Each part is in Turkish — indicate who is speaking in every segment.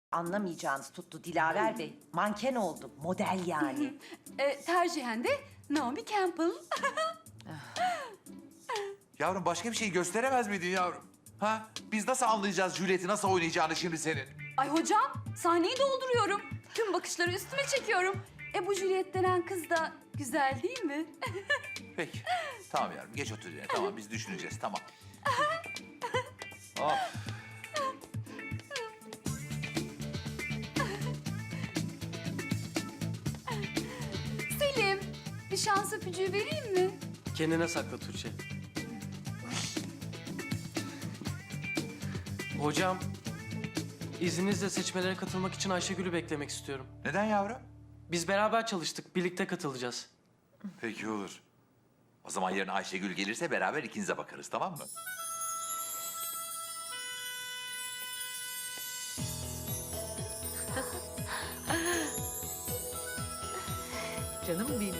Speaker 1: Anlamayacağınız tuttu Dilaver Bey. Manken oldu, model yani.
Speaker 2: Tercihen de Naomi Campbell.
Speaker 3: Yavrum başka bir şey gösteremez miydin yavrum? Ha? Biz nasıl anlayacağız Juliet'i nasıl oynayacağını şimdi senin?
Speaker 2: Ay hocam, sahneyi dolduruyorum. Tüm bakışları üstüme çekiyorum. Bu Juliet denen kız da güzel değil mi?
Speaker 3: Peki. Tamam yavrum geç otur yerine. Tamam biz düşüneceğiz tamam. Hop.
Speaker 2: Selim, bir şans öpücüğü vereyim mi?
Speaker 4: Kendine sakla Tuğçe. Hocam, izninizle seçmelere katılmak için Ayşegül'ü beklemek istiyorum.
Speaker 3: Neden yavrum?
Speaker 4: Biz beraber çalıştık, birlikte katılacağız.
Speaker 3: Peki olur. O zaman yarın Ayşegül gelirse beraber ikinize bakarız tamam mı?
Speaker 5: Canım benim.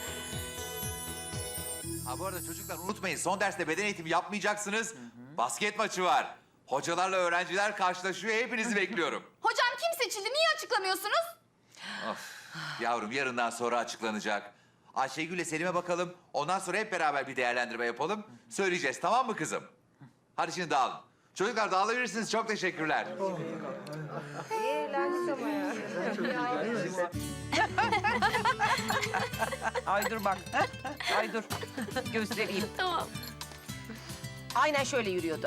Speaker 3: Ha bu arada çocuklar unutmayın son derste beden eğitimi yapmayacaksınız. Basket maçı var. Hocalarla öğrenciler karşılaşıyor. Hepinizi bekliyorum.
Speaker 2: Hocam kim seçildi? Niye açıklamıyorsunuz?
Speaker 3: Of. Yavrum yarından sonra açıklanacak. Ayşegül'le Selim'e bakalım. Ondan sonra hep beraber bir değerlendirme yapalım. Söyleyeceğiz tamam mı kızım? Hadi şimdi dağılın. Çocuklar dağılabilirsiniz. Çok teşekkürler.
Speaker 1: Ay dur bak. Ay dur. Göstereyim.
Speaker 2: Tamam.
Speaker 1: Aynen şöyle yürüyordu.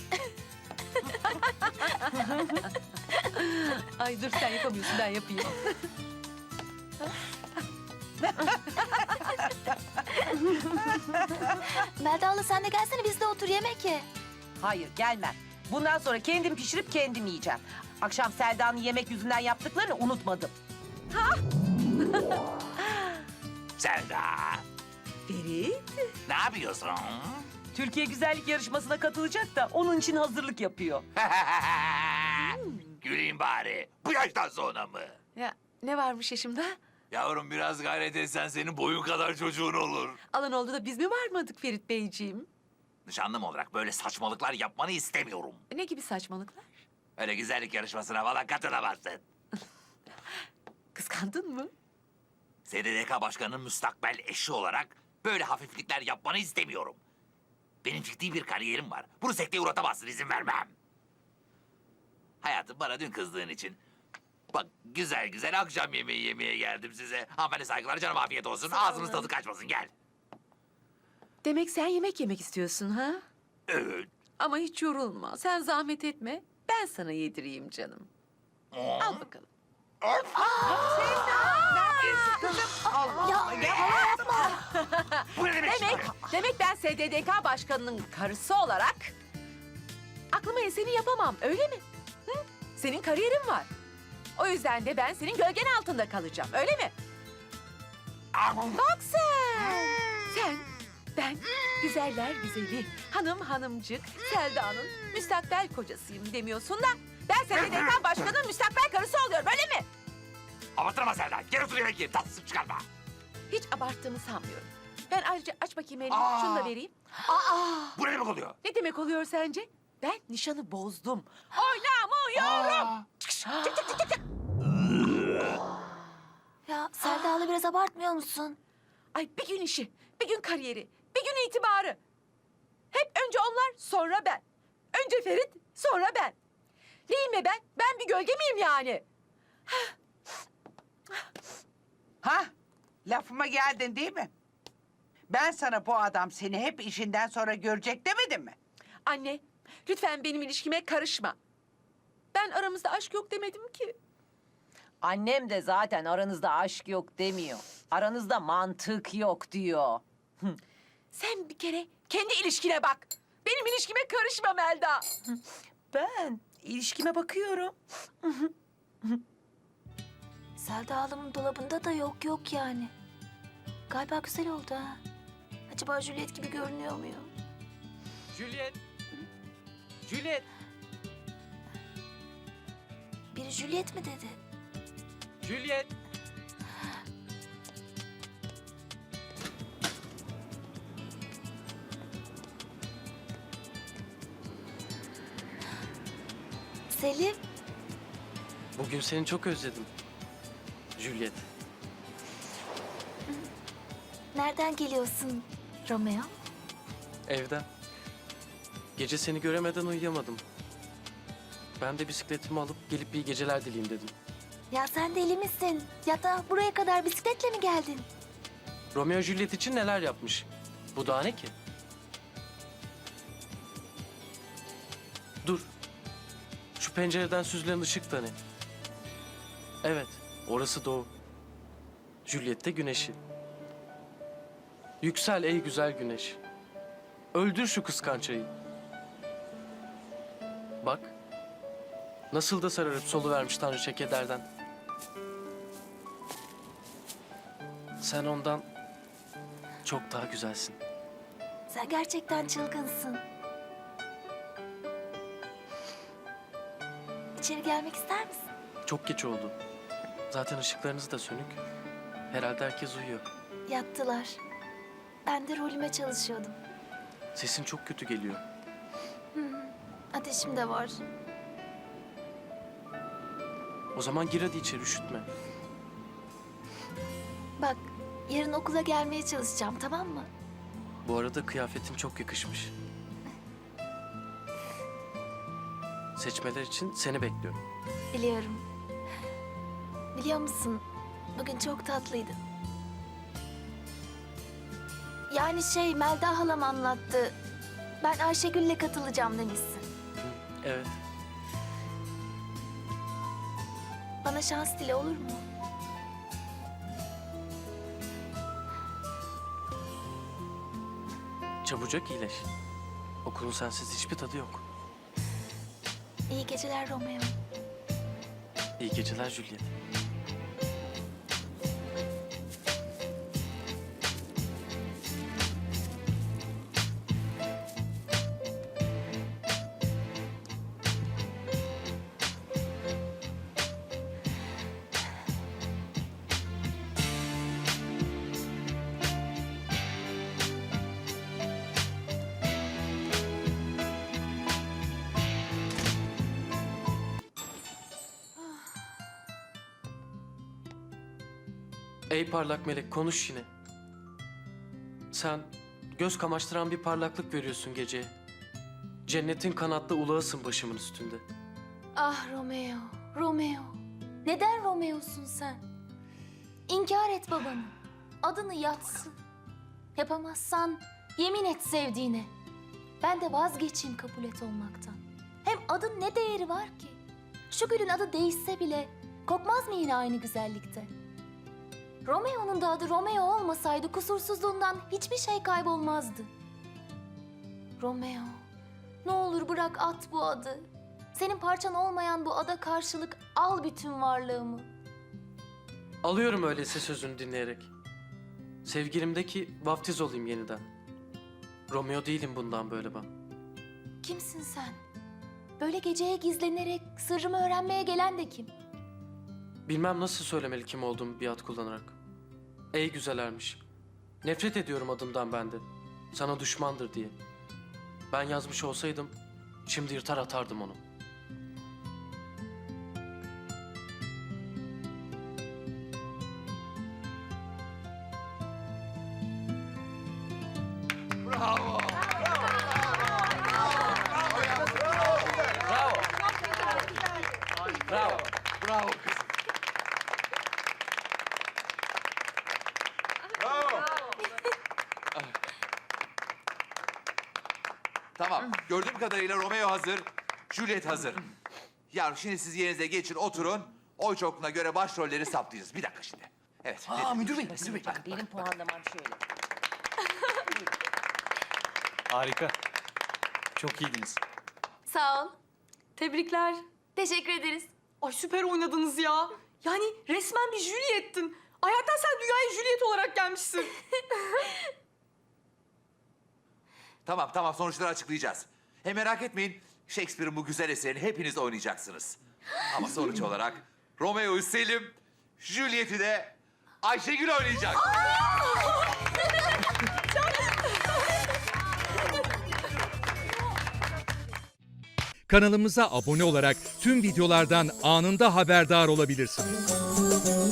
Speaker 5: Ay dur sen yapamıyorsun ben yapayım.
Speaker 6: Melda abla sen de gelsene biz de otur yemek ye.
Speaker 1: Hayır gelmem. Bundan sonra kendim pişirip kendim yiyeceğim. Akşam Selda'nın yemek yüzünden yaptıklarını unutmadım.
Speaker 3: Selda.
Speaker 1: Ferit.
Speaker 3: Ne yapıyorsun?
Speaker 1: Türkiye Güzellik Yarışması'na katılacak da onun için hazırlık yapıyor.
Speaker 3: Güleyim bari. Bu yaştan sonra mı?
Speaker 5: Ya ne varmış yaşımda?
Speaker 3: Yavrum biraz gayret etsen senin boyun kadar çocuğun olur.
Speaker 5: Alan oldu da biz mi varmadık Ferit Beyciğim?
Speaker 3: Nişanlım olarak böyle saçmalıklar yapmanı istemiyorum.
Speaker 5: Ne gibi saçmalıklar?
Speaker 3: Öyle güzellik yarışmasına falan katılamazsın.
Speaker 5: Kıskandın mı?
Speaker 3: SDDK Başkanı'nın müstakbel eşi olarak böyle hafiflikler yapmanı istemiyorum. Benim ciddi bir kariyerim var. Bunu sekteye uğratamazsın, izin vermem. Hayatım bana dün kızdığın için. Bak güzel güzel akşam yemeği yemeye geldim size. Hanımefendi saygılar canım afiyet olsun. Ağzınız tadı kaçmasın gel.
Speaker 5: Demek sen yemek yemek istiyorsun ha?
Speaker 3: Evet.
Speaker 5: Ama hiç yorulma. Sen zahmet etme. Ben sana yedireyim canım. Al bakalım.
Speaker 3: Bu ne demek?
Speaker 5: Demek ben SDDK başkanının karısı olarak aklıma eseni yapamam öyle mi? Hı? Senin kariyerin var. O yüzden de ben senin gölgen altında kalacağım öyle mi? Bak sen. Sen, ben, güzeller güzeli, hanımcık, Selda'nın müstakbel kocasıyım demiyorsun da ben SDDK başkanının müstakbel karısı oluyorum öyle mi?
Speaker 3: Abartma Selda. Gel otur yemek ye. Tatsız çıkarma.
Speaker 5: Hiç abarttığımı sanmıyorum. Ben ayrıca aç bakayım elini,
Speaker 3: Aa!
Speaker 5: şunu da vereyim.
Speaker 3: Bu ne demek oluyor?
Speaker 5: Ne demek oluyor sence? Ben nişanı bozdum. Oynamıyorum.
Speaker 6: Ya Selda abla biraz abartmıyor musun?
Speaker 5: Ay bir gün işi, bir gün kariyeri, bir gün itibarı. Hep önce onlar, sonra ben. Önce Ferit, sonra ben. Neyim be ben? Ben bir gölge miyim yani?
Speaker 7: Ha? Lafıma geldin değil mi? Ben sana bu adam seni hep işinden sonra görecek demedim mi?
Speaker 5: Anne, lütfen benim ilişkime karışma. Ben aramızda aşk yok demedim ki.
Speaker 1: Annem de zaten aranızda aşk yok demiyor. Aranızda mantık yok diyor.
Speaker 5: Sen bir kere kendi ilişkine bak. Benim ilişkime karışma Melda.
Speaker 1: Ben ilişkime bakıyorum.
Speaker 6: Selda ablamın dolabında da yok yani. Galiba güzel oldu ha. Acaba Juliet gibi görünüyor muyum?
Speaker 4: Juliet. Juliet.
Speaker 6: Biri Juliet mi dedi?
Speaker 4: Juliet.
Speaker 6: Selim.
Speaker 4: Bugün seni çok özledim. Juliet.
Speaker 6: Nereden geliyorsun Romeo?
Speaker 4: Evden. Gece seni göremeden uyuyamadım. Ben de bisikletimi alıp gelip iyi geceler dileyim dedim.
Speaker 6: Ya sen deli misin? Ya da buraya kadar bisikletle mi geldin?
Speaker 4: Romeo Juliet için neler yapmış? Bu daha ne ki? Dur. Şu pencereden süzülen ışık da ne? Evet, orası doğu. Juliet de güneşi. Yüksel ey güzel güneş. Öldür şu kıskançayı. Bak. Nasıl da sararıp soluvermiş tanrıça kederden. Sen ondan çok daha güzelsin.
Speaker 6: Sen gerçekten çılgınsın. İçeri gelmek ister misin?
Speaker 4: Çok geç oldu. Zaten ışıklarınız da sönük. Herhalde herkes uyuyor.
Speaker 6: Yattılar. Ben de rolüme çalışıyordum.
Speaker 4: Sesin çok kötü geliyor.
Speaker 6: Ateşim de var.
Speaker 4: O zaman gir hadi içeri, üşütme.
Speaker 6: Bak, yarın okula gelmeye çalışacağım, tamam mı?
Speaker 4: Bu arada kıyafetin çok yakışmış. Seçmeler için seni bekliyorum.
Speaker 6: Biliyorum. Biliyor musun, bugün çok tatlıydın. Yani Melda halam anlattı. Ben Ayşegül'le katılacağım demişsin.
Speaker 4: Evet.
Speaker 6: Bana şans dile olur mu?
Speaker 4: Çabucak iyileş. Okulun sensiz hiçbir tadı yok.
Speaker 6: İyi geceler Romeo.
Speaker 4: İyi geceler Juliet. Ey parlak melek, konuş yine. Sen göz kamaştıran bir parlaklık veriyorsun geceye. Cennetin kanatlı ulağısın başımın üstünde.
Speaker 6: Ah Romeo, Romeo. Neden Romeo'sun sen? İnkar et babanı. Adını yatsın. Yapamazsan yemin et sevdiğine. Ben de vazgeçeyim kabul et olmaktan. Hem adın ne değeri var ki? Şu gülün adı değişse bile kokmaz mı yine aynı güzellikte? Romeo'nun da adı Romeo olmasaydı kusursuzluğundan hiçbir şey kaybolmazdı. Romeo, ne olur bırak at bu adı. Senin parçan olmayan bu ada karşılık al bütün varlığımı.
Speaker 4: Alıyorum öyleyse sözünü dinleyerek. Sevgilimdeki vaftiz olayım yeniden. Romeo değilim bundan böyle ben.
Speaker 6: Kimsin sen? Böyle geceye gizlenerek sırrımı öğrenmeye gelen de kim?
Speaker 4: Bilmem nasıl söylemeli kim olduğumu bir ad kullanarak. Ey güzel ermiş. Nefret ediyorum adımdan ben de. Sana düşmandır diye. Ben yazmış olsaydım şimdi yırtar atardım onu.
Speaker 3: Bravo.
Speaker 4: Bravo.
Speaker 3: Bravo kızım. Tamam. Gördüğüm kadarıyla Romeo hazır. Juliet hazır. Ya şimdi siz yerinize geçin, oturun. Oy çokluğuna göre başrolleri saptayacağız. Bir dakika şimdi. Evet.
Speaker 8: Müdür bey.
Speaker 1: Benim puanlamam şöyle.
Speaker 8: Harika. Çok iyiydiniz.
Speaker 6: Sağ ol.
Speaker 2: Tebrikler.
Speaker 6: Teşekkür ederiz.
Speaker 2: Ay süper oynadınız ya. Yani resmen bir Juliet'tin. Ayaktan sen dünyaya Juliet olarak gelmişsin.
Speaker 3: Tamam. Sonuçları açıklayacağız. Hem merak etmeyin. Shakespeare'in bu güzel eserini hepiniz oynayacaksınız. Ama sonuç olarak Romeo'yu Selim, Juliet'i de Ayşegül oynayacak.
Speaker 9: Kanalımıza abone olarak tüm videolardan anında haberdar olabilirsiniz.